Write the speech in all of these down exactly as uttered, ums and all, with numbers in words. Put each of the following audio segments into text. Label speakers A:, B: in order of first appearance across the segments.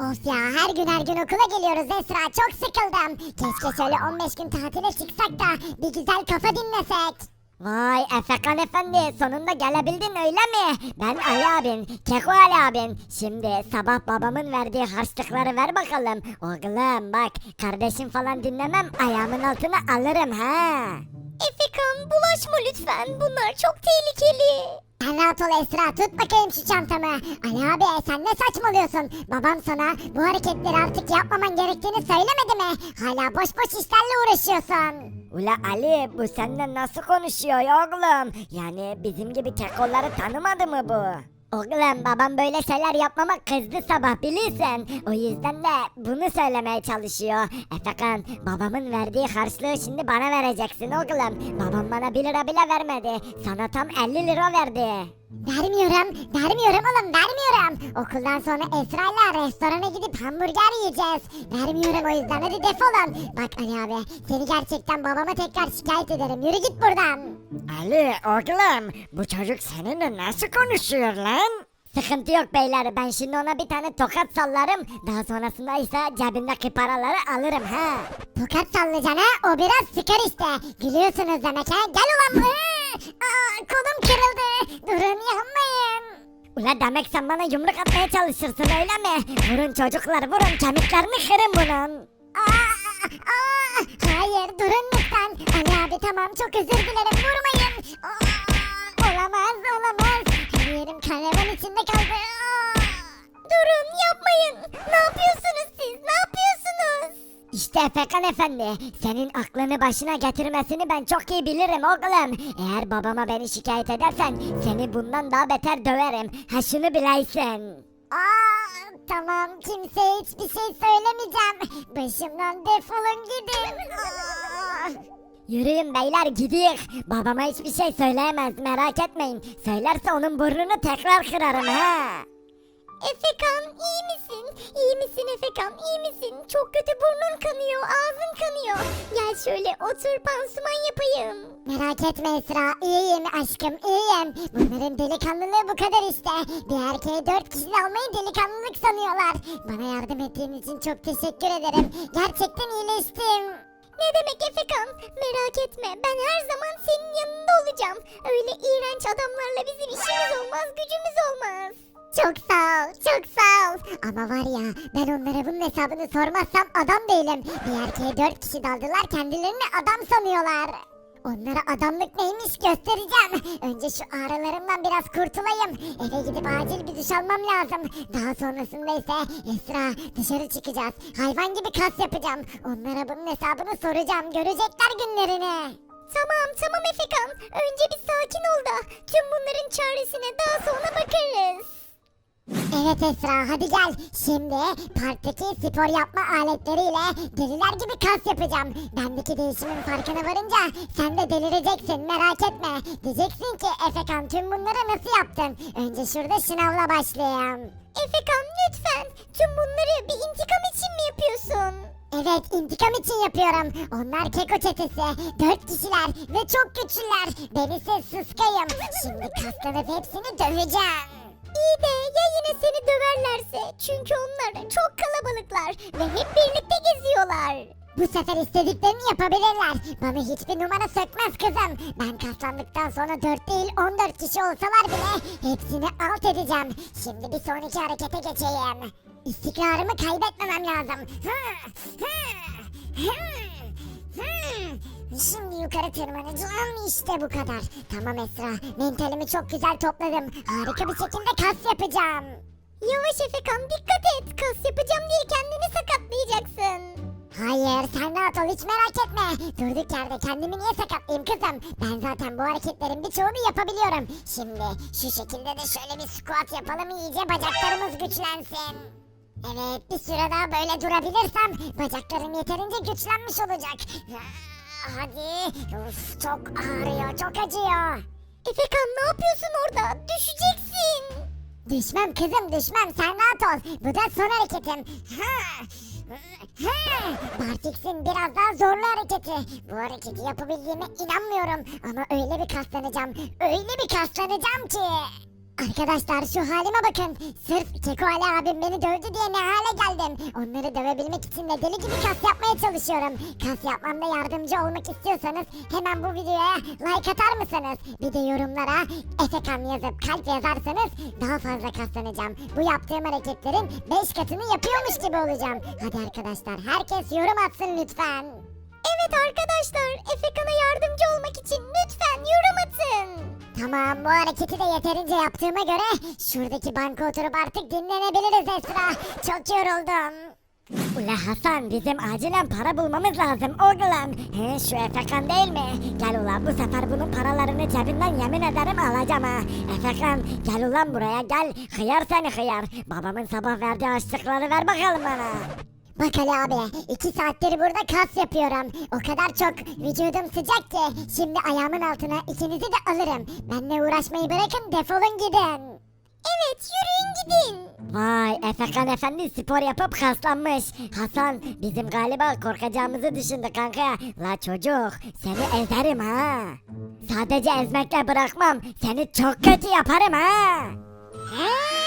A: Of ya, her gün her gün okula geliyoruz Esra, çok sıkıldım. Keşke şöyle on beş gün tatile çıksak da bir güzel kafa dinlesek.
B: Vay Efekan efendi, sonunda gelebildin öyle mi? Ben Ali abin, Keko Ali abin. Şimdi sabah babamın verdiği harçlıkları ver bakalım. Oğlum bak, kardeşim falan dinlemem, ayağımın altına alırım ha.
C: Efekan bulaşma lütfen, bunlar çok tehlikeli.
A: Sen rahat ol Esra, tut bakayım şu çantamı. Ali abi, sen ne saçmalıyorsun? Babam sana bu hareketleri artık yapmaman gerektiğini söylemedi mi? Hala boş boş işlerle uğraşıyorsun.
B: Ula Ali, bu senden nasıl konuşuyor oğlum? Yani bizim gibi kekolları tanımadı mı bu? Oğlum babam böyle şeyler yapmama kızdı sabah bilirsen. O yüzden de bunu söylemeye çalışıyor. Efekan, babamın verdiği harçlığı şimdi bana vereceksin oğlum. Babam bana bir lira bile vermedi. Sana tam elli lira verdi.
A: Vermiyorum, vermiyorum oğlum, vermiyorum. Okuldan sonra Esra'yla restorana gidip hamburger yiyeceğiz. Vermiyorum, o yüzden hadi defolun. Bak Ali abi, seni gerçekten babama tekrar şikayet ederim. Yürü git buradan.
B: Ali oğlum, bu çocuk seninle nasıl konuşuyor lan? Sıkıntı yok beyler, ben şimdi ona bir tane tokat sallarım. Daha sonrasında ise cebindeki paraları alırım ha.
A: Tokat sallayacaksın ha, o biraz sıkar işte. Gülüyorsunuz demek ha, gel ulan. Aa, kolum kırıldı. Durun, yapmayın.
B: Ula demek sen bana yumruk atmaya çalışırsın öyle mi? Vurun çocuklar, vurun, kemiklerini kırın bunun.
A: Aa, aa, hayır, durun lütfen. Ali abi tamam, çok özür dilerim, vurmayın. Aa, olamaz, olamaz. Her yerim karavan içinde kaldı. Aa.
C: Durun, yapmayın. Ne yapıyorsunuz siz? Ne yapıyorsunuz?
B: İşte Efekan efendi, senin aklını başına getirmesini ben çok iyi bilirim oğlum. Eğer babama beni şikayet edersen seni bundan daha beter döverim. Ha şunu bileysin.
A: Aa, tamam, kimseye hiçbir şey söylemeyeceğim. Başımdan defolun gidin. Aa.
B: Yürüyün beyler, gidiyor. Babama hiçbir şey söyleyemez, merak etmeyin. Söylerse onun burnunu tekrar kırarım ha.
C: Efekan iyi misin? İyi misin Efekan? İyi misin? Çok kötü, burnun kanıyor, ağzın kanıyor. Gel şöyle otur, pansuman yapayım.
A: Merak etme Esra, iyiyim aşkım, iyiyim. Bunların delikanlılığı bu kadar işte. Bir erkeğe dört kişi almayı delikanlılık sanıyorlar. Bana yardım ettiğin için çok teşekkür ederim. Gerçekten iyileştim.
C: Ne demek Efekan? Merak etme, ben her zaman senin yanında olacağım. Öyle iğrenç adamlarla bizim işimiz olmaz, gücümüz olmaz.
A: Çok sağ ol, çok sağ ol. Ama var ya, ben onlara bunun hesabını sormazsam adam değilim. Bir erkeğe dört kişi daldılar, kendilerini adam sanıyorlar. Onlara adamlık neymiş göstereceğim. Önce şu ağrılarımdan biraz kurtulayım. Eve gidip acil bir duş almam lazım. Daha sonrasında ise Esra, dışarı çıkacağız. Hayvan gibi kas yapacağım. Onlara bunun hesabını soracağım. Görecekler günlerini.
C: Tamam tamam Efekan, önce bir sakin ol da tüm bunların çaresine daha sonra bakarız.
A: Evet Esra, hadi gel. Şimdi parktaki spor yapma aletleriyle deliler gibi kas yapacağım. Bendeki değişimin farkına varınca sen de delireceksin, merak etme. Diyeceksin ki Efekan, tüm bunları nasıl yaptın? Önce şurada şınavla başlayayım.
C: Efekan lütfen, tüm bunları bir intikam için mi yapıyorsun?
A: Evet, intikam için yapıyorum. Onlar Keko çetesi. Dört kişiler ve çok güçlüler. Ben ise sıskayım. Şimdi kaslanıp hepsini döveceğim.
C: İyi de ya yine seni döverlerse? Çünkü onlar çok kalabalıklar ve hep birlikte geziyorlar.
A: Bu sefer istediklerini yapabilirler. Bana hiçbir numara sökmez kızım. Ben kaslandıktan sonra dört değil on dört kişi olsalar bile hepsini alt edeceğim. Şimdi bir sonraki harekete geçeyim. İstikrarımı kaybetmemem lazım. Hı, hı, hı, hı. Şimdi yukarı tırmanacağım, işte bu kadar. Tamam Esra, mentalimi çok güzel topladım. Harika bir şekilde kas yapacağım.
C: Yavaş Efekan, dikkat et. Kas yapacağım diye kendini sakatlayacaksın.
A: Hayır, sen rahat ol, hiç merak etme. Durduk yerde kendimi niye sakatlayayım kızım? Ben zaten bu hareketlerin birçoğunu yapabiliyorum. Şimdi şu şekilde de şöyle bir squat yapalım, iyice bacaklarımız güçlensin. Evet, bir süre daha böyle durabilirsem bacaklarım yeterince güçlenmiş olacak. Hadi, uf, çok ağrıyor, çok acıyor.
C: Efekan ne yapıyorsun orada? Düşeceksin.
A: Düşmem kızım, düşmem, sen rahat ol. Bu da son hareketim. Ha. Ha. Bartix'in biraz daha zorlu hareketi. Bu hareketi yapabildiğime inanmıyorum. Ama öyle bir kaslanacağım, öyle bir kaslanacağım ki. Arkadaşlar şu halime bakın. Sırf Keko Ali abim beni dövdü diye ne hale geldim. geldim. Onları dövebilmek için de deli gibi kas yapmaya çalışıyorum. Kas yapmamda yardımcı olmak istiyorsanız hemen bu videoya like atar mısınız? Bir de yorumlara Efekan yazıp kalp yazarsanız daha fazla kaslanacağım. Bu yaptığım hareketlerin beş katını yapıyormuş gibi olacağım. Hadi arkadaşlar herkes yorum atsın lütfen.
C: Evet arkadaşlar, Efekan'a yardımcı olmak için lütfen yorum atın.
A: Tamam bu hareketi de yeterince yaptığıma göre şuradaki banka oturup artık dinlenebiliriz Esra. Çok yoruldum.
B: Ula Hasan bizim acilen para bulmamız lazım oğlum. He şu Efekan değil mi? Gel ulan bu sefer bunun paralarını cebinden yemin ederim alacağım ha. Efekan gel ulan buraya gel. Hıyar seni hıyar. Babamın sabah verdiği açlıkları ver bakalım bana.
A: Bak Ali abi iki saattir burada kas yapıyorum. O kadar çok vücudum sıcak ki şimdi ayağımın altına ikinizi de alırım. Benimle uğraşmayı bırakın defolun gidin.
C: Evet, yürüyün gidin.
B: Vay Efekan efendi spor yapıp kaslanmış. Hasan bizim galiba korkacağımızı düşündü kanka. La çocuk seni ezerim ha. Sadece ezmekle bırakmam. Seni çok kötü yaparım ha.
A: He,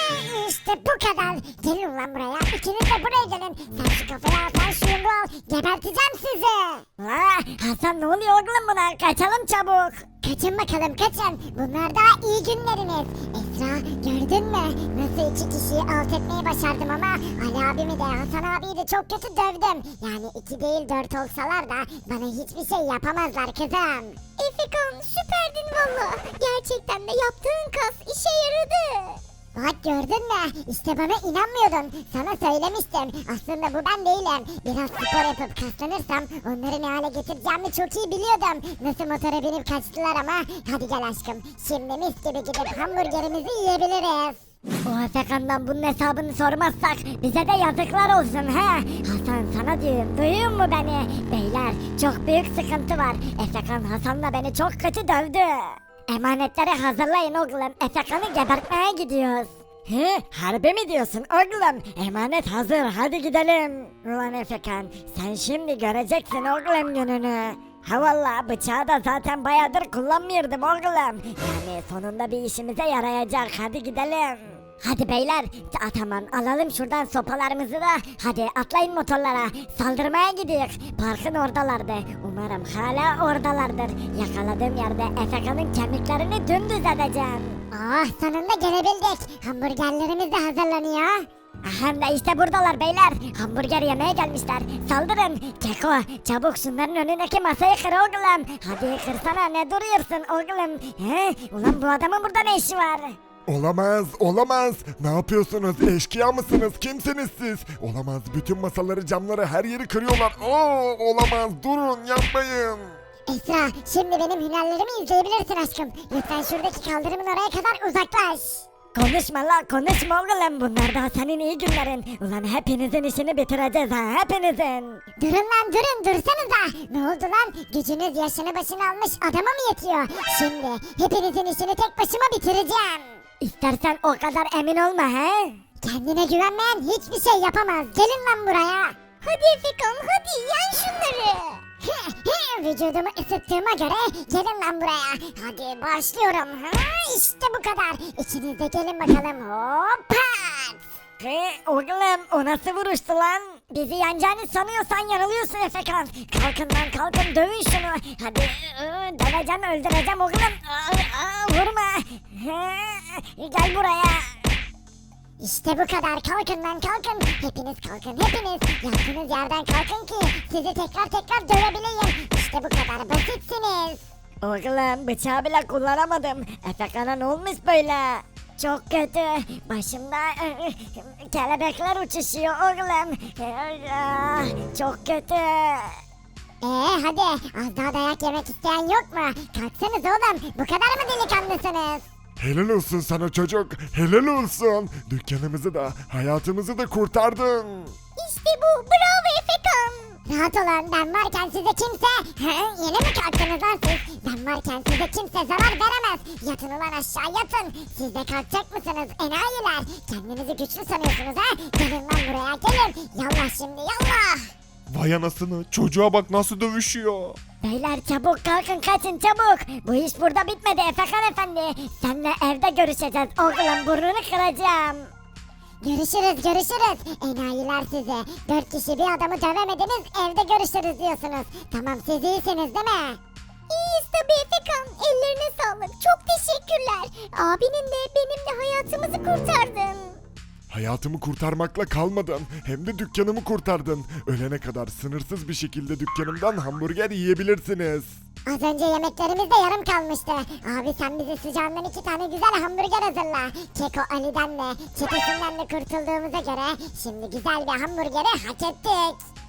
A: işte bu kadar. Gelin ulan buraya. İkiniz de buraya gelin. Sen şu kafayı al, sen şu yumruğu al. Geberteceğim sizi.
B: La Hasan ne oluyor oğlum buna? Kaçalım çabuk.
A: Kaçın bakalım kaçın. Bunlar daha iyi günleriniz. Esra gördün mü? Nasıl iki kişiyi alt etmeyi başardım ama Ali abimi de Hasan abiyi de çok kötü dövdüm. Yani iki değil dört olsalar da bana hiçbir şey yapamazlar kızım.
C: Efekan süperdin valla. Gerçekten de yaptığın kas işe yaradı.
A: Bak gördün mü? İşte bana inanmıyordun. Sana söylemiştim. Aslında bu ben değilim. Biraz spor yapıp kaslanırsam onları ne hale getireceğimi çok iyi biliyordum. Nasıl motora binip kaçtılar ama. Hadi gel aşkım. Şimdi mis gibi gidip hamburgerimizi yiyebiliriz.
B: O Efekan'dan bunun hesabını sormazsak bize de yazıklar olsun he. Hasan sana diyorum duyuyor mu beni? Beyler çok büyük sıkıntı var. Efekan Hasan'la beni çok kötü dövdü. Emanetleri hazırlayın oğlum. Efekan'ı gebertmeye gidiyoruz. He, harbi mi diyorsun oğlum? Emanet hazır hadi gidelim. Ulan Efekan sen şimdi göreceksin oğlum gününü. Ha valla bıçağı da zaten bayağıdır kullanmıyordum oğlum. Yani sonunda bir işimize yarayacak hadi gidelim. Hadi beyler ta- tamam alalım şuradan sopalarımızı da hadi atlayın motorlara saldırmaya gidiyoruz. Parkın oradalardı umarım hala oradalardır. Yakaladığım yerde Efekan'ın kemiklerini dümdüz edeceğim.
A: Ah sonunda gelebildik. Hamburgerlerimiz de hazırlanıyor.
B: Hem de işte buradalar beyler. Hamburger yemeye gelmişler. Saldırın. Keko çabuk şunların önündeki masayı kır oğlum. Hadi kırsana ne duruyorsun oğlum. He? Ulan bu adamın burada ne işi var?
D: Olamaz, olamaz. Ne yapıyorsunuz? Eşkıya mısınız? Kimsiniz siz? Olamaz. Bütün masaları, camları, her yeri kırıyorlar. Oo, olamaz. Durun, yapmayın.
A: Esra şimdi benim hünerlerimi izleyebilirsin aşkım. Lütfen şuradaki kaldırımın oraya kadar uzaklaş.
B: Konuşma la konuşma oğlum bunlar daha senin iyi günlerin. Ulan hepinizin işini bitireceğiz ha hepinizin.
A: Durun lan durun dursanıza. Ne oldu lan? Gücünüz yaşını başını almış adama mı yetiyor? Şimdi hepinizin işini tek başıma bitireceğim.
B: İstersen o kadar emin olma he.
A: Kendine güvenmeyen hiçbir şey yapamaz. Gelin lan buraya.
C: Hadi Efekan hadi yen şunları.
A: Vücudumu ısıttığıma göre gelin lan buraya. Hadi başlıyorum. Ha, işte bu kadar. İkiniz de gelin bakalım. Hoppa.
B: He oğlum o nasıl vuruştu lan? Bizi yeneceğini sanıyorsan yanılıyorsun Efekan. Kalkın lan kalkın dövün şunu. Hadi ıı, döveceğim öldüreceğim oğlum. Aa, aa, vurma. He, gel buraya.
A: İşte bu kadar. Kalkın lan kalkın. Hepiniz kalkın hepiniz. Yattığınız yerden kalkın ki sizi tekrar tekrar dövebileyim. İşte bu kadar basitsiniz.
B: Oğlum bıçağı bile kullanamadım. Efekan'a ne olmuş böyle? Çok kötü. Başımda ıı, kelebekler uçuşuyor oğlum. Ah, çok kötü.
A: Ee hadi az daha dayak yemek isteyen yok mu? Kalksanız oğlum. Bu kadar mı delikanlısınız?
D: Helal olsun sana çocuk. Helal olsun. Dükkanımızı da, hayatımızı da kurtardın.
C: İşte bu bravo Efekan.
A: Rahat olun ben varken size kimse... He, yeni mi kalktınız lan siz? Ben varken size kimse zarar veremez. Yatın ulan aşağı yatın. Siz de kalkacak mısınız enayiler? Kendinizi güçlü sanıyorsunuz ha? Gelin lan buraya gelin. Yallah şimdi yallah.
D: Vay anasını. Çocuğa bak nasıl dövüşüyor.
B: Beyler çabuk kalkın kaçın çabuk. Bu iş burada bitmedi Efekan efendi. Seninle evde görüşeceğiz oğlum burnunu kıracağım.
A: Görüşürüz görüşürüz. Enayiler sizi. Dört kişi bir adamı dövemediniz evde görüşürüz diyorsunuz. Tamam siz iyisiniz değil mi?
C: İyiyiz tabii Efekan. Ellerine sağlık. Çok teşekkürler. Abinin de benim de hayatımızı kurtardın.
D: Hayatımı kurtarmakla kalmadın. Hem de dükkanımı kurtardın. Ölene kadar sınırsız bir şekilde dükkanımdan hamburger yiyebilirsiniz.
A: Az önce yemeklerimiz de yarım kalmıştı. Abi sen bize sıcağından iki tane güzel hamburger hazırla. Keko Ali'den de çetesinden de kurtulduğumuza göre şimdi güzel bir hamburgeri hak ettik.